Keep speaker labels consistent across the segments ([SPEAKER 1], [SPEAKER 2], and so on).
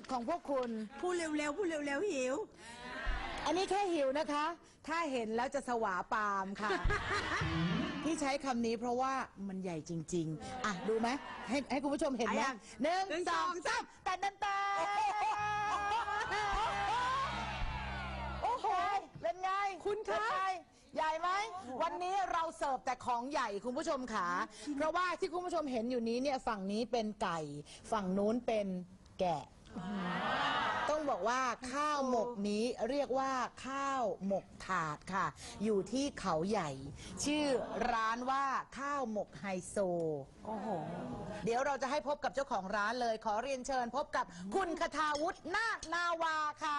[SPEAKER 1] ของพวกคุณ
[SPEAKER 2] พูดเร็วๆพูดเร็วๆหิว
[SPEAKER 1] อันนี้แค่หิวนะคะ ถ้าเห็นแล้วจะสวาปามค่ะ ที่ใช้คำนี้เพราะว่ามันใหญ่จริงๆอ่ะดูไหมให้คุณผู้ชมเห็นไหม1 2 3แต่ดันตาโอ้โหเป็นไงคุณคะใหญ่ไหมวันนี้เราเสิร์ฟแต่ของใหญ่คุณผู้ชมขาเพราะว่าที่คุณผู้ชมเห็นอยู่นี้เนี่ยฝั่งนี้เป็นไก่ฝั่งนู้นเป็นแกะต้องบอกว่าข้าวหมกนี้เรียกว่าข้าวหมกถาดค่ะอยู่ที่เขาใหญ่ ชื่อร้านว่าข้าวหมกไฮโซโอ้โหเดี๋ยวเราจะให้พบกับเจ้าของร้านเลยขอเรียนเชิญพบกับคุณคทาวุฒินาคนาวาค่ะ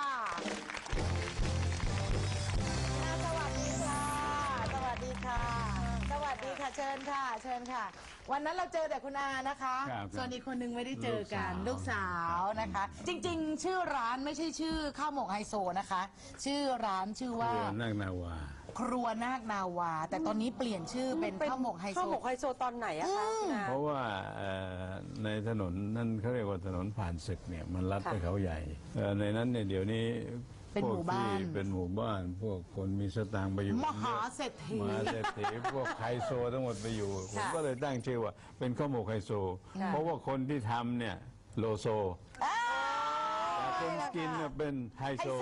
[SPEAKER 1] สวัสดีค่ะสวัสดีค่ะสวัสดีค่ะเชิญค่ะเชิญค่ะวันนั้นเราเจอแต่คุณอานะคะส่วนอีกคนนึงไม่ได้เจอกันลูกสาวนะคะจริงๆชื่อร้านไม่ใช่ชื่อข้าวหมกไฮโซนะคะชื่อร้านชื่อว่า
[SPEAKER 3] ครัวนาคนาวา
[SPEAKER 1] ครัวนาคนาวาแต่ตอนนี้เปลี่ยนชื่อเป็นข้าวหมกไฮโซ
[SPEAKER 2] ข้าวหมกไฮโซตอนไหนอะคะ
[SPEAKER 3] เพราะว่าในถนนนั่นเขาเรียกว่าถนนผ่านศึกเนี่ยมันลัดไปเขาใหญ่ในนั้นเนี่ยเดี๋ยวนี้
[SPEAKER 1] เป็นหมู่บ้าน
[SPEAKER 3] เป็นหมู่บ้านพวกคนมีสตางค์ไปอยู่
[SPEAKER 1] มหาเศรษฐี
[SPEAKER 3] พวกไฮโซทั้งหมดไปอยู่ผมก็เลยตั้งชื่อว่าเป็นข้าวหมกไฮโซเพราะว่าคนที่ทำเนี่ยโลโซแต่คนกินเนี่ยเป็นไฮโซ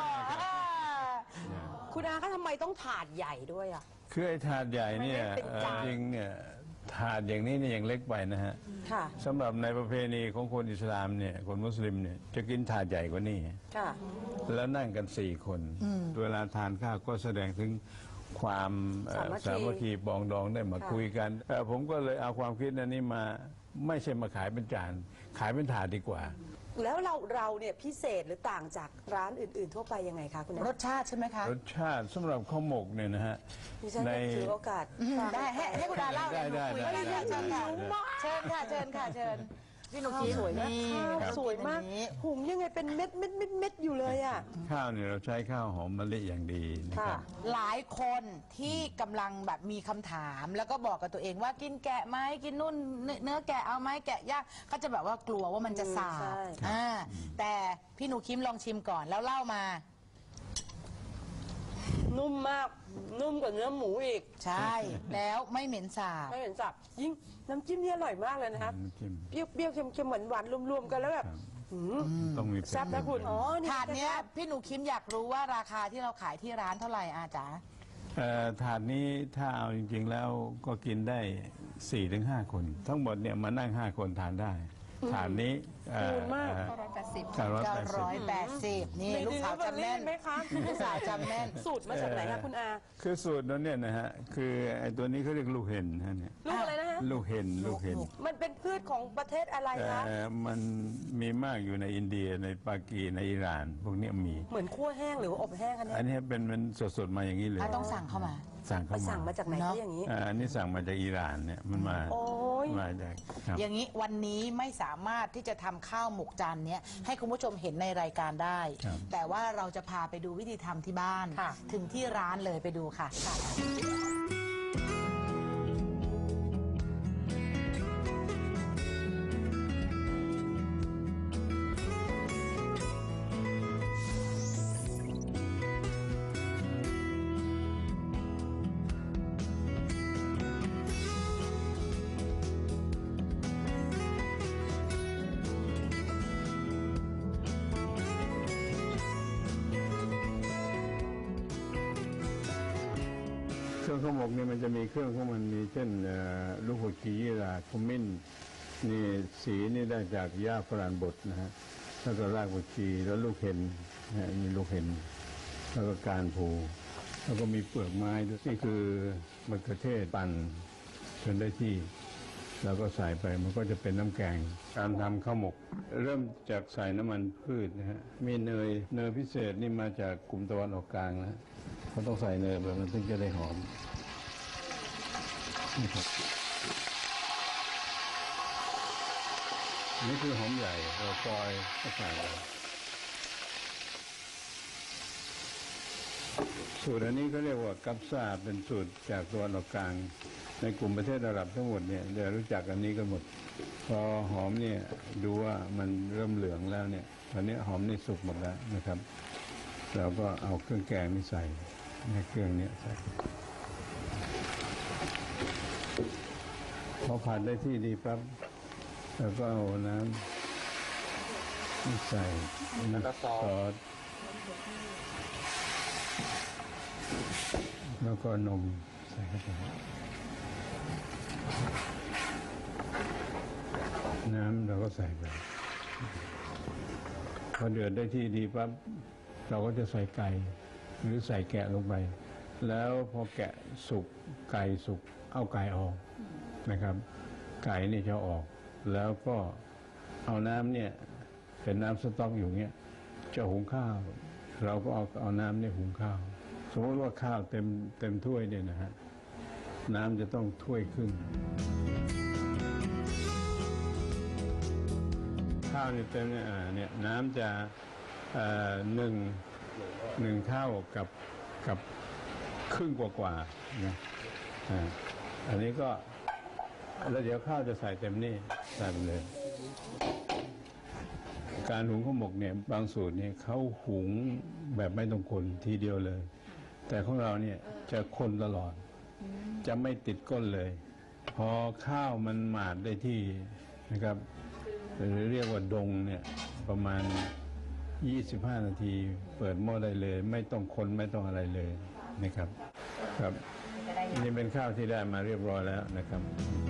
[SPEAKER 2] คุณอาคะทำไมต้องถาดใหญ่ด้วยอ่ะ
[SPEAKER 3] คือไอ้ถาดใหญ่เนี่ยจริงเนี่ยถาดอย่างนี้เนี่ยยังเล็กไปนะฮะสำหรับในประเพณีของคนอิสลามเนี่ยคนมุสลิมเนี่ยจะกินถาดใหญ่กว่านี้แล้วนั่งกัน4 คนเวลาทานข้าวก็แสดงถึงความสามัคคีปองดองได้มาคุยกันผมก็เลยเอาความคิดนั้นนี้มาไม่ใช่มาขายเป็นจานขายเป็นถาดดีกว่า
[SPEAKER 2] แล้วเราเนี่ยพิเศษหรือต่างจากร้านอื่นๆทั่วไปยังไงคะคุณ
[SPEAKER 1] รสชาติใช่ไหมคะ
[SPEAKER 3] รสชาติสำหรับข้าวหมกเนี่ยนะฮะ
[SPEAKER 2] ในถือโอกาส
[SPEAKER 1] ได้ให้คุณอาเล่า
[SPEAKER 3] ได้
[SPEAKER 1] เชิญค่ะเชิญค่ะเชิญค่ะเชิญพี่หนุ่มสวยมาก
[SPEAKER 2] สวยมากหุงยังไงเป็นเม็ดอยู่เลยอ่ะ
[SPEAKER 3] ข้าวเนี่ยเราใช้ข้าวหอมมะลิอย่างดีนะครับ
[SPEAKER 1] หลายคนที่กำลังแบบมีคำถามแล้วก็บอกกับตัวเองว่ากินแกะไหมกินนุ่นเนื้อแกะเอาไหมแกะย่างก็จะแบบว่ากลัวว่ามันจะสาบแต่พี่หนูคิมลองชิมก่อนแล้วเล่ามา
[SPEAKER 2] นุ่มมากนุ่มกว่าเนื้อหมูอีก
[SPEAKER 1] ใช่แล้วไม่เหม็นสาบ
[SPEAKER 2] ไม่เหม็นสาบยิ่งน้ำจิ้มนี่อร่อยมากเลยนะครับเปรี้ยวเค็มหวานรวมๆกันแล้วแบบ
[SPEAKER 3] ต้องมี
[SPEAKER 2] แซ่บนะคุณ
[SPEAKER 1] ถาดนี้พี่หนูคิมอยากรู้ว่าราคาที่เราขายที่ร้านเท่าไหร่อาจ๋า
[SPEAKER 3] ถาดนี้ถ้าเอาจริงๆแล้วก็กินได้ 4-5 คนทั้งหมดเนี่ยมานั่ง5 คนทานได้ถาดนี้
[SPEAKER 1] 980นี่ลูกสาวจำแม่นไหมคะลูกสาวจำแม่น
[SPEAKER 2] สูตรมาจากไหนคะคุณอา
[SPEAKER 3] คือสูตรนั้นเนี่ยนะฮะคือไอ้ตัวนี้เขาเรียกลูกเห็นฮะเนี่ย
[SPEAKER 2] ลูกอะไรนะฮะ
[SPEAKER 3] ลูกเห็น
[SPEAKER 2] มันเป็นพืชของประเทศอะไรคะ
[SPEAKER 3] มันมีมากอยู่ในอินเดียในปากีในอิหร่านพวกนี้มี
[SPEAKER 2] เหมือนคั่วแห้งหรืออบแห้ง
[SPEAKER 3] อันนี้เป็นมันสดๆมาอย่างนี้เลย
[SPEAKER 1] ต้องสั่งเข้ามา
[SPEAKER 2] สั่งมาจากไหนอย่างนี้
[SPEAKER 3] อันนี้สั่งมาจากอิหร่านเนี่ยมันมาจาก
[SPEAKER 1] อย่างนี้วันนี้ไม่สามารถที่จะทำข้าวหมกจานนี้ให้คุณผู้ชมเห็นในรายการได้แต่ว่าเราจะพาไปดูวิธีทำที่บ้านถึงที่ร้านเลยไปดูค่ะ
[SPEAKER 3] เครื่องข้าวหมกเนี่ยมันจะมีเครื่องของมันมีเช่นลูกหัวชียี่หร่าขมิ้นนี่สีนี่ได้จากหญ้าฝรั่งบดนะฮะแล้วก็รากหัวชีแล้วลูกเห็นมีลูกเห็นแล้วก็การผูแล้วก็มีเปลือกไม้ด้วยนี่คือมะเขือเทศปั่นจนได้ที่แล้วก็ใส่ไปมันก็จะเป็นน้ำแกงการทำข้าวหมกเริ่มจากใส่น้ำมันพืชนะฮะมีเนยพิเศษนี่มาจากกลุ่มตะวันออกกลางนะเขาต้องใส่เนยแบบมันถึงจะได้หอมนี่คือหอมใหญ่เราซอยก็ใส่ไปสูตรอันนี้เขาเรียกว่ากัปซาเป็นสูตรจากตะวันออกกลางในกลุ่มประเทศอาหรับทั้งหมดเนี่ยเดี๋ยวรู้จักอันนี้กันหมดพอหอมเนี่ยดูว่ามันเริ่มเหลืองแล้วเนี่ยตอนนี้หอมนี่สุกหมดแล้วนะครับเราก็เอาเครื่องแกงนี่ใส่ในเครื่องนี้ใส่พอผัดได้ที่ดีปั๊บแล้วก็เอาน้ำนี่ใส่น้ำซอสแล้วก็นมใส่เข้าไปน้ำเราก็ใส่ไปพอเดือดได้ที่ดีปั๊บเราก็จะใส่ไก่หรือใส่แกะลงไปแล้วพอแกะสุกไก่สุกเอาไก่ออกนะครับไก่นี่จะออกแล้วก็เอาน้ำเนี่ยเป็นน้ำสต๊อกอยู่เงี้ยจะหุงข้าวเราก็เอาน้ำเนี่ยหุงข้าวสมมติว่าข้าวเต็มถ้วยเนี่ยนะฮะน้ำจะต้องถ้วยครึ่งข้าวนี่เต็มเนี่ยน้ำจะหนึ่งเท่ากับครึ่งกว่าๆนะอันนี้ก็แล้วเดี๋ยวข้าวจะใส่เต็มนี่ใส่ไปเลยการหุงข้าวหมกเนี่ยบางสูตรเนี่ยเขาหุงแบบไม่ต้องคนทีเดียวเลย แต่ของเราเนี่ยจะคนตลอดจะไม่ติดก้นเลย พอข้าวมันหมาดได้ที่นะครับหรือเรียกว่าดงเนี่ยประมาณ25 นาทีเปิดหม้อได้เลยไม่ต้องคนไม่ต้องอะไรเลยนะครับครับนี่เป็นข้าวที่ได้มาเรียบร้อยแล้วนะครับ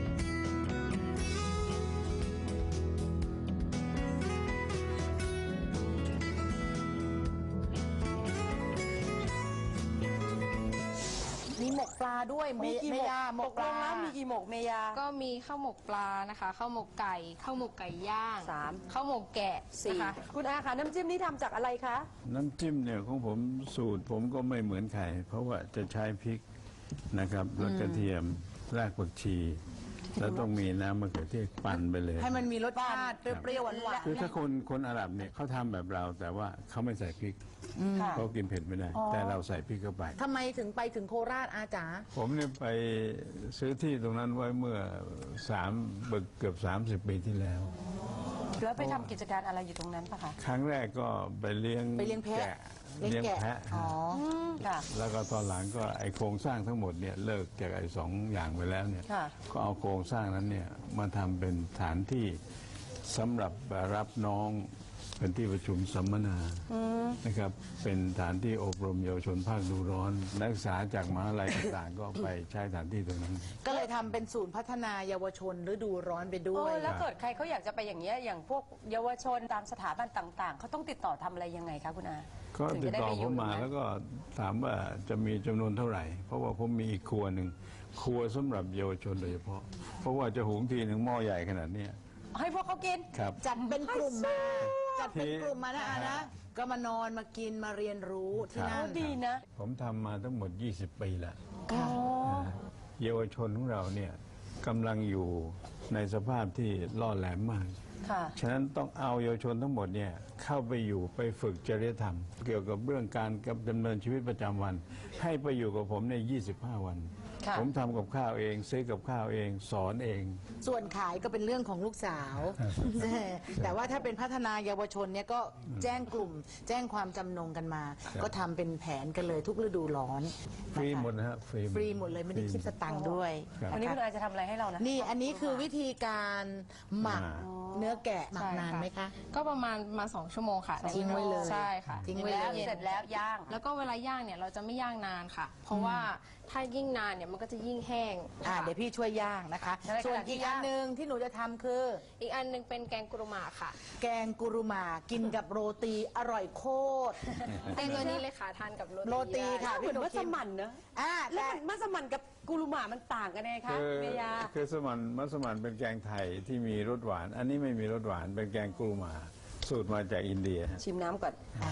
[SPEAKER 1] มีหมกปลาด้วย
[SPEAKER 2] มีกี่หมก
[SPEAKER 1] เมยาหมกปลา
[SPEAKER 2] ตกลงแล้วมีกี่หมกเมยา
[SPEAKER 4] ก็มีข้าวหมกปลานะคะข้าวหมกไก่ข้าวหมกไก่ย่าง
[SPEAKER 2] 3
[SPEAKER 4] ข้าวหมกแกะ
[SPEAKER 2] 4
[SPEAKER 4] นะคะ
[SPEAKER 2] คุณอาคะน้ำจิ้มนี่ทำจากอะไรคะ
[SPEAKER 3] น้ำจิ้มเนี่ยของผมสูตรผมก็ไม่เหมือนใครเพราะว่าจะใช้พริกนะครับแล้วกระเทียมรากผักชี แล้วต้องมีน้ำมะเขือเทศปั่นไปเลย
[SPEAKER 1] ให้มันมีรสชาติเปรี้ยวๆหวาน
[SPEAKER 3] คือถ้าคนอาหรับเนี่ยเขาทำแบบเราแต่ว่าเขาไม่ใส่พริก
[SPEAKER 2] ค่ะ
[SPEAKER 3] เขากินเผ็ดไม่ได้ แต่เราใส่พริกเข้าไป
[SPEAKER 1] ๆทำไมถึงไปถึงโคราชอาจ๋า
[SPEAKER 3] ผมเนี่ยไปซื้อที่ตรงนั้นไว้เมื่อเกือบ30 ปีที่แล้ว
[SPEAKER 2] แล้วไปทำกิจการอะไรอยู่ตรงนั้นปะคะ
[SPEAKER 3] ครั้งแรกก็ไปเลี้ยง
[SPEAKER 1] แพะ
[SPEAKER 3] แกะเลี้ยงแพะ
[SPEAKER 1] อ๋อ
[SPEAKER 2] ค่ะ
[SPEAKER 3] แล้วก็ตอนหลังก็ไอโครงสร้างทั้งหมดเนี่ยเลิกจากไอ2 อย่างไปแล้วเนี่ย
[SPEAKER 2] ค่ะ
[SPEAKER 3] ก็เอาโครงสร้างนั้นเนี่ยมาทำเป็นฐานที่สำหรับรับน้องเป็นที่ประชุมสัมมนานะครับเป็นฐานที่อบรมเยาวชนภาคฤดูร้อนนักศึกษาจากมหาลัยต่างๆ ก็ไปใช้ฐานที่ตรงนั้น
[SPEAKER 1] ก็เลยทำเป็นศูนย์พัฒนาเยาวชนฤดูร้อนไปด้วย
[SPEAKER 2] แล้วเกิดใครเขาอยากจะไปอย่างเงี้ยอย่างพวกเยาวชนตามสถาบันต่างๆ เขาต้องติดต่อทำอะไรยังไงคะคุณอา
[SPEAKER 3] ก็
[SPEAKER 2] ถึง
[SPEAKER 3] ติด
[SPEAKER 2] จะได้
[SPEAKER 3] ต่อ
[SPEAKER 2] ไป
[SPEAKER 3] ผ
[SPEAKER 2] อยู่
[SPEAKER 3] มมา
[SPEAKER 2] ตรงนั้น
[SPEAKER 3] แล้วก็ถามว่าจะมีจำนวนเท่าไหร่ เพราะว่าผมมีอีกครัวหนึ่งครัวสำหรับเยาวชนโดยเฉพาะ เพราะว่าจะหุงทีหนึ่งหม้อใหญ่ขนาดเนี้ย
[SPEAKER 2] ให้พวกเขากิน
[SPEAKER 3] ครับ
[SPEAKER 1] จัดเป็นกลุ่มมาจัดเป็นกลุ่มมานะอานะ ก็มานอนมากินมาเรียนรู้ที่นั่น
[SPEAKER 2] ดีนะ
[SPEAKER 3] ผมทำมาทั้งหมด 20 ปีแล้ว
[SPEAKER 1] ค่ะ
[SPEAKER 3] เยาวชนของเราเนี่ยกำลังอยู่ในสภาพที่ล่อแหลมมาก
[SPEAKER 2] ค่ะ
[SPEAKER 3] ฉะนั้นต้องเอาเยาวชนทั้งหมดเนี่ยเข้าไปอยู่ไปฝึกจริยธรรม เกี่ยวกับเรื่องการดำเนินชีวิตประจำวัน ให้ไปอยู่กับผมใน 25 วัน
[SPEAKER 2] ค่ะ
[SPEAKER 3] ผมทำกับข้าวเองซื้อกับข้าวเองสอนเอง
[SPEAKER 1] ส่วนขายก็เป็นเรื่องของลูกสาว แต่ว่าถ้าเป็นพัฒนาเยาวชนเนี่ยก็แจ้งกลุ่ม แจ้งความจำนงกันมา ก็ทำเป็นแผนกันเลยทุกฤดูร้อน
[SPEAKER 3] ฟรีหมดนะฮะฟรี
[SPEAKER 1] ฟรีหมดเลยไม่ได้คิดสตังค์ด้วย
[SPEAKER 3] ครับ
[SPEAKER 2] วันนี้คุณอาจะทำอะไรให้เรานะ
[SPEAKER 1] นี่อันนี้คือวิธีการหมัก
[SPEAKER 3] อ่า
[SPEAKER 1] เนื้อแกะหมัก
[SPEAKER 4] ใช่
[SPEAKER 1] นานไหมคะ
[SPEAKER 4] ก็ประมาณ2 ชั่วโมงค่ะ
[SPEAKER 1] ทิ้งไว้เลย
[SPEAKER 4] ใช่ค่ะ
[SPEAKER 1] ทิ้งไว้
[SPEAKER 2] แล้ว
[SPEAKER 1] เลย
[SPEAKER 2] เสร็จแล้วย่าง
[SPEAKER 4] แล้วก็เวลาย่างเนี่ยเราจะไม่ย่างนานค่ะ เพราะว่าถ้ายิ่งนานเนี่ยมันก็จะยิ่งแห้ง
[SPEAKER 1] เดี๋ยวพี่ช่วยย่างนะคะ
[SPEAKER 2] ได้ค่ะ
[SPEAKER 1] ส่วนอีกอันหนึ่งที่หนูจะทำคือ
[SPEAKER 4] อีกอันหนึงเป็นแกงกุรุมาค่ะ
[SPEAKER 1] แกงกุรุมากินกับโรตีอร่อยโคตร
[SPEAKER 4] เป็นตัวนี้เลยค่ะทานกับ
[SPEAKER 1] โรตีค่ะ
[SPEAKER 2] เหมือนมัสมั่นเนอะ แล้ว
[SPEAKER 1] แต่
[SPEAKER 2] มันมัสมั่นกับกุลูหมามันต่างกันไงคะ
[SPEAKER 3] คือ
[SPEAKER 2] เมยา
[SPEAKER 3] คือมัสมั่นเป็นแกงไทยที่มีรสหวาน อันนี้ไม่มีรสหวานเป็นแกงกรูมา สูตรมาจากอินเดีย
[SPEAKER 2] ชิมน้ำก่อน
[SPEAKER 1] อ่า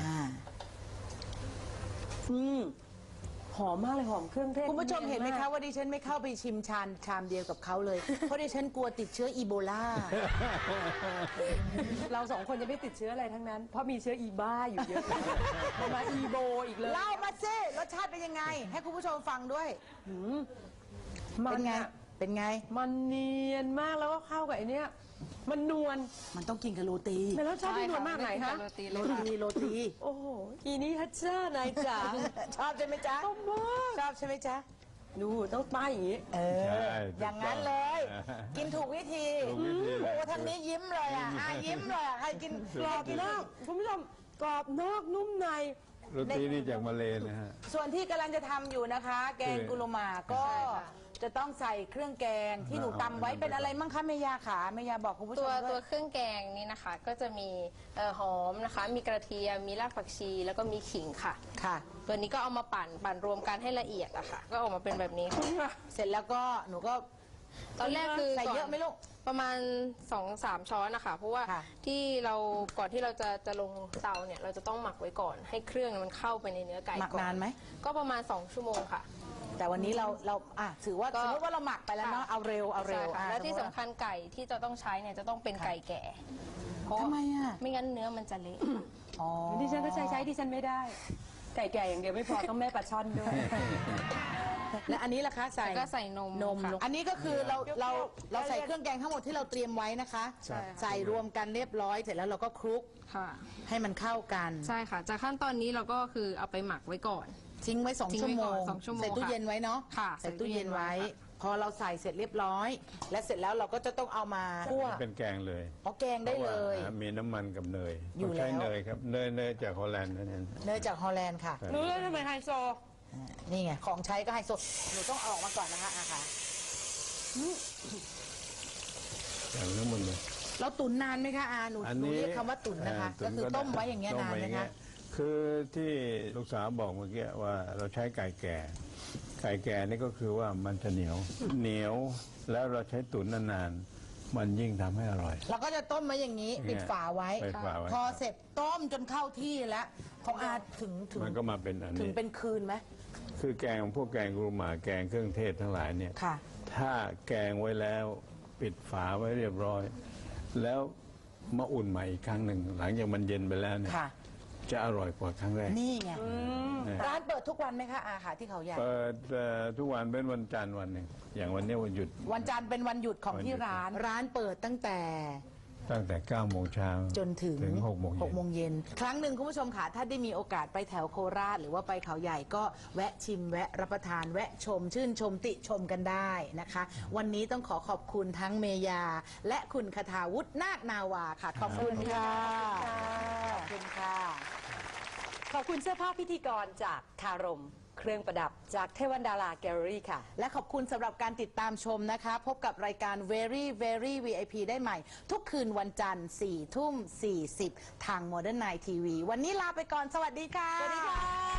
[SPEAKER 2] หอมมากเลยหอมเครื่องเทศ
[SPEAKER 1] คุณผู้ชมเห็นไหมคะว่าดิฉันไม่เข้าไปชิมชามเดียวกับเขาเลย เพราะดิฉันกลัวติดเชื้ออีโบลา
[SPEAKER 2] เราสองคนจะไม่ติดเชื้ออะไรทั้งนั้น เพราะมีเชื้ออีบ้าอยู่เยอะ มาอีโบอีกเลย
[SPEAKER 1] เล่ามาสิรสชาติเป็นยังไง ให้คุณผู้ชมฟังด้วย
[SPEAKER 2] มั
[SPEAKER 1] เป็น นไง
[SPEAKER 2] อะ
[SPEAKER 1] เป็นไง
[SPEAKER 2] มันเนียนมากแล้วก็เข้ากับไอเนี้ยมันนวล
[SPEAKER 1] มันต้องกินกับโรตี
[SPEAKER 2] แต่แล้วชอบที่นวลมากไหนฮะ
[SPEAKER 4] โรตี
[SPEAKER 1] โรตีโรตี
[SPEAKER 2] โอ้โหอีนี้ฮัจเจ้านายจ๋า
[SPEAKER 1] ชอบใช่ไหมจ๊ะ
[SPEAKER 2] ชอบมาก
[SPEAKER 1] ชอบใช่ไหมจ๊ะ
[SPEAKER 2] ดูต้องป้ายอย่างนี้
[SPEAKER 1] เอ
[SPEAKER 3] ใช่
[SPEAKER 1] อ อย่างนั้นเลย กินถูกวิธี
[SPEAKER 3] ถูกวิธีเลย
[SPEAKER 1] โอ้ทางนี้ยิ้มเลยอ่ะยิ้มเลยอ่ะใครกิน
[SPEAKER 2] กรอบนอกคุณผู้ชมกรอบนอกนุ่มใน
[SPEAKER 3] โรตีนี่จากมาเลนะฮะ
[SPEAKER 1] ส่วนที่กำลังจะทำอยู่นะคะ แกงกุลมาก็จะต้องใส่เครื่องแกงที่หนูตำไว้เป็นอะไรมั่งคะเมยาขาเมยาบอกคุณผู้ช
[SPEAKER 4] ตั
[SPEAKER 1] ม
[SPEAKER 4] ว
[SPEAKER 1] ด้วย
[SPEAKER 4] เครื่องแกงนี้นะคะ ก็จะมีหอมนะคะ มีกระเทียมมีรากผักชี แล้วก็มีขิงค่ะ
[SPEAKER 1] ค่ะ
[SPEAKER 4] ตัวนี้ก็เอามาปั่นรวมกันให้ละเอียดอะค่ะ ก็ออกมาเป็นแบบนี้ค่ะ
[SPEAKER 1] เสร็จแล้วก็หนูก็
[SPEAKER 4] ตอนแรกคือ
[SPEAKER 1] ใส่เยอะไหมลูก
[SPEAKER 4] ประมาณ 2-3 ช้อนนะคะ เพราะว่า
[SPEAKER 1] ค่ะ
[SPEAKER 4] ที่เราก่อนที่เราจะลงเตาเนี่ยเราจะต้องหมักไว้ก่อน ให้เครื่องมันเข้าไปในเนื้อไก่
[SPEAKER 1] หมัก
[SPEAKER 4] ก่อน
[SPEAKER 1] านไหม
[SPEAKER 4] ก็ประมาณ 2 ชั่วโมงค่ะ
[SPEAKER 1] แต่วันนี้เราถือว่า
[SPEAKER 4] ก็
[SPEAKER 1] สมมติว่าเราหมักไปแล้วเนาะ
[SPEAKER 4] ค่ะ
[SPEAKER 1] เอาเร็ว
[SPEAKER 4] ใช่ค่ะ
[SPEAKER 1] อ่ะ
[SPEAKER 4] และที่
[SPEAKER 1] ม
[SPEAKER 4] สำ
[SPEAKER 1] มุติ
[SPEAKER 4] คัญไก่ที่จะต้องใช้เนี่ยจะต้องเป็นไก่แก่เพราะ
[SPEAKER 1] ทำไมอ่ะ
[SPEAKER 4] ไม่งั้นเนื้อมันจะเละ
[SPEAKER 1] อ๋อ
[SPEAKER 2] ดิฉันก็ใช้ดิฉันไม่ได้ ไก่แก่อย่างเดียวไม่พอต้องแม่ปลาช่อนด้วย
[SPEAKER 1] และอันนี้ล่ะคะใส่
[SPEAKER 4] แล้วก็ใส่นม
[SPEAKER 1] นม
[SPEAKER 4] ค่ะ
[SPEAKER 1] ลงอันนี้ก็คือเรา
[SPEAKER 2] เปรี้ยวๆ
[SPEAKER 1] เราใส่เครื่องแกงทั้งหมดที่เราเตรียมไว้นะคะ
[SPEAKER 3] ใช่
[SPEAKER 1] ใส่รวมกันเรียบร้อยเสร็จแล้วเราก็คลุก
[SPEAKER 4] ค่ะ
[SPEAKER 1] ให้มันเข้ากัน
[SPEAKER 4] ใช่ค่ะ จากขั้นตอนนี้เราก็คือเอาไปหมักไว้ก่อน
[SPEAKER 1] ทิ้งไว้2
[SPEAKER 4] ทิ้ง
[SPEAKER 1] ชั่ว
[SPEAKER 4] ไว้
[SPEAKER 1] โม
[SPEAKER 4] ก่
[SPEAKER 1] ง
[SPEAKER 4] อน2ชั่วโมง
[SPEAKER 1] ใส่ตู้
[SPEAKER 4] ค่ะ
[SPEAKER 1] เย็นไว้เนาะ
[SPEAKER 4] ค่ะ
[SPEAKER 1] ใส่ตู้เย็นไว้
[SPEAKER 4] ใส่ตู้เย็นไว้
[SPEAKER 1] พอเราใส่เสร็จเรียบร้อย และเสร็จแล้วเราก็จะต้องเอามาคั่ว
[SPEAKER 3] เป็นแกงเลย
[SPEAKER 1] อ๋อแกงได้เลย
[SPEAKER 3] พราะว่ามีน้ำมันกับเนย
[SPEAKER 1] อยู่
[SPEAKER 3] ต้องใช้
[SPEAKER 1] แล้ว
[SPEAKER 3] เนยครับเนยจากฮอลแลนด์นั่นเอง
[SPEAKER 1] เนยจากฮอลแลนด์ค่ะ
[SPEAKER 2] รู้เลยทำไมไฮโซ
[SPEAKER 1] นี่ไงของใช้ก็ไฮโซหนูต้องเอาออกมาก่อนนะคะอาค่ะ
[SPEAKER 3] อย่างทั้งหมดเลย
[SPEAKER 1] เราตุ๋นนานไหมคะอาหนู
[SPEAKER 3] อัน
[SPEAKER 1] หนู
[SPEAKER 3] นี้
[SPEAKER 1] เรียกคำว่าตุ๋นนะคะ ก็คือต้มไว้อย่างเงี้ย
[SPEAKER 3] ต้ม
[SPEAKER 1] นาน
[SPEAKER 3] ไว้
[SPEAKER 1] ไหม
[SPEAKER 3] อย่ง
[SPEAKER 1] คะ
[SPEAKER 3] เงี้ยคือที่ลูกสาวบอกเมื่อกี้ว่าเราใช้ไก่แก่ ไก่แก่นี่ก็คือว่ามันจะเหนียว แล้วเราใช้ตุ๋นนานๆมันยิ่งทำให้อร่อย
[SPEAKER 1] เราก็จะต้มไว้อย่างนี้ ปิดฝาไว้
[SPEAKER 3] ปิดฝาไว้
[SPEAKER 1] พอเสร็จต้มจนเข้าที่แล้วของอาถึง
[SPEAKER 3] มันก็มาเป็นอัน
[SPEAKER 1] ถึง
[SPEAKER 3] นี้
[SPEAKER 1] เป็นคืนไหม
[SPEAKER 3] คือแกงพวกแกงกรุหมาแกงเครื่องเทศทั้งหลายเนี่ย
[SPEAKER 1] ค่ะ
[SPEAKER 3] ถ้าแกงไว้แล้วปิดฝาไว้เรียบร้อย แล้วมาอุ่นใหม่อีกครั้งหนึ่งหลังจากมันเย็นไปแล้วเนี่ย
[SPEAKER 1] ค่ะ
[SPEAKER 3] จะอร่อยกว่าครั้งแรก
[SPEAKER 1] นี่ไงร้านเปิดทุกวันไหมคะอาค่ะที่เขาใหญ่
[SPEAKER 3] เปิดทุกวันเป็นวันจันทร์วันหนึ่งอย่างวันนี้วันหยุด
[SPEAKER 1] วันจันทร์เป็นวันหยุดของที่ร้าน ร้านเปิดตั้งแต่
[SPEAKER 3] ตั้งแต่9โมงเช้า
[SPEAKER 1] จนถึง
[SPEAKER 3] 6โมงเย็น
[SPEAKER 1] 6โมงเย็น ครั้งหนึ่งคุณผู้ชมค่ะถ้าได้มีโอกาสไปแถวโคราช หรือว่าไปเขาใหญ่ก็แวะชิมแวะรับประทานแวะชม ชื่นชมติชมกันได้นะคะ วันนี้ต้องขอขอบคุณทั้งเมยา และคุณคทาวุฒินาคนาวาค่ะ ขอบคุณค่ะขอบคุณค่ะ
[SPEAKER 2] ขอบคุณเสื้อผ้าพิธีกรจากคารม เครื่องประดับจากเทวันดาราแกลเลอรี่ค่ะ
[SPEAKER 1] และขอบคุณสำหรับการติดตามชมนะคะ พบกับรายการ Very Very VIP ได้ใหม่ ทุกคืนวันจันทร์4 ทุ่ม 40 ทาง Modern Night TV วันนี้ลาไปก่อน สวัสดีค่ะ
[SPEAKER 2] สวัสดีค่ะ